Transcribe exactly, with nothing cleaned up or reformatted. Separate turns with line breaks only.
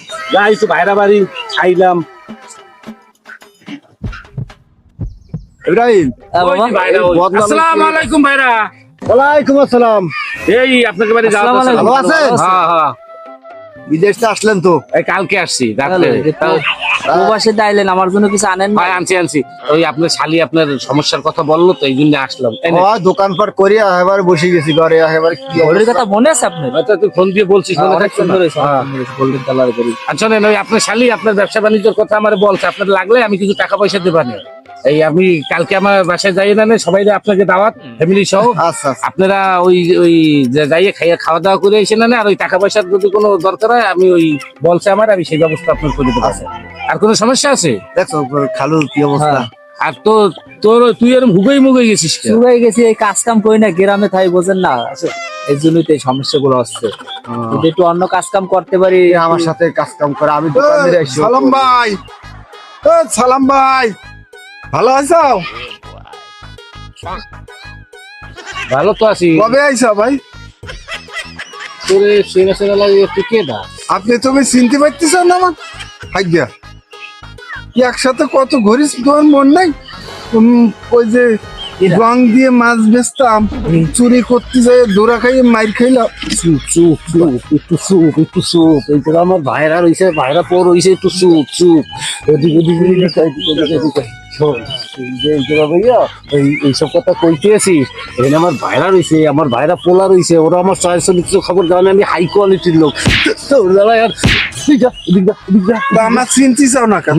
যাই তো ভাইরা বাড়ি খাইলাম।
ইব্রাহিম
আসসালামু আলাইকুম ভাইরা।
ওয়ালাইকুম আসসালাম।
এই আপনাকে বাড়ি যাওয়া
আসসালামু আলাইকুম। ভালো আছেন?
হ্যাঁ হ্যাঁ
বিদেশ থেকে আসলেন তো?
এই কালকে আসছি রাত্রে।
প্রবাসে আইলেন, আমার জন্য কিছু আনেন না?
ভাই আনছি আনছি ওই আপনার শালি আপনার সমস্যার কথা বললো তো এই জন্য আসলাম। এই নে।
ও দোকানপাট করিয়া এবার বসে গেছি ঘরে, এবার কি
ঘরের কথা মনে আছে আপনার?
হয়তো তুই ফোন দিয়ে বলছিস মনে
অনেক
থাকছে না?
সুন্দর হয়েছে,
হ্যাঁ।
অনেক সুন্দর হয়েছে, গোল্ডেন কালার করি।
আর শোনেন ওই আপনার শালি আপনার ব্যবসা বাণিজ্যের কথা আমার বলছে, আপনার লাগলে আমি কিছু টাকা পয়সা দেবানি। এই আমি কালকে আমার বাসায় যাই না সবাই আপনাকে দাওয়াত ফ্যামিলি সহ।
আচ্ছা আচ্ছা।
আপনারা ওই ওই যে যাইয়ে খাইয়া খাওয়া দাওয়া করে এসে না, আর ওই টাকা পয়সার যদি কোনো দরকার হয় আমি ওই বলছে আমার, আমি সেই ব্যবস্থা আপনার করে দেবো। আর কোনো সমস্যা আছে?
দেখো খালুর কি অবস্থা।
আর তো তোর তুই এরকম হুগই মুগই গেছিস কেন?
শুকাই গেছি, এই কাজ কাম করি না, গ্রামে থাই বোঝেন না, এই জন্যই তো এই সমস্যাগুলো হচ্ছে। যদি একটু অন্য কাজ কাম করতে পারি।
এ আমার সাথে কাজ কাম করে, আমি দোকানে আইছি।
সালাম ভাই, ও সালাম ভাই, ভালো আছো?
ভালো তো আছি।
কবে আইসা ভাই?
তোরে সেনা সেনা লাগে তুই কে দা?
আপনি তুমি চিনতে পারতেছ না আমার ভাগ্যা? কি একসাথে কত ঘুরিস তোমার মন নাই? উম, ওই যে রং দিয়ে মাছ বেচতাম, চুরি করতে যাই দৌড়া খাইয়ে মাইর খাইলাম।
চুপ চুপ চুপ একটু চুপ একটু চুপ। এই তো আমার ভাইরা রইছে, ভাইরা পর রইছে, একটু চুপ চুপ। এদিক ওদিক এদিক এদিক ওদিক এদিক। শোন, এই যে এই যে ভাইয়া এই এইসব কথা কইতেছি, এখানে আমার ভাইরা রইছে, আমার ভাইরা পোলা রইছে, ওরা আমার চয়েস চরিত্র খবর জানে, আমি হাই কোয়ালিটির লোক। তো ওরা আর এদিক যা এদিক যা এদিক যা।
তা আমার চিনতে চাও না কেন?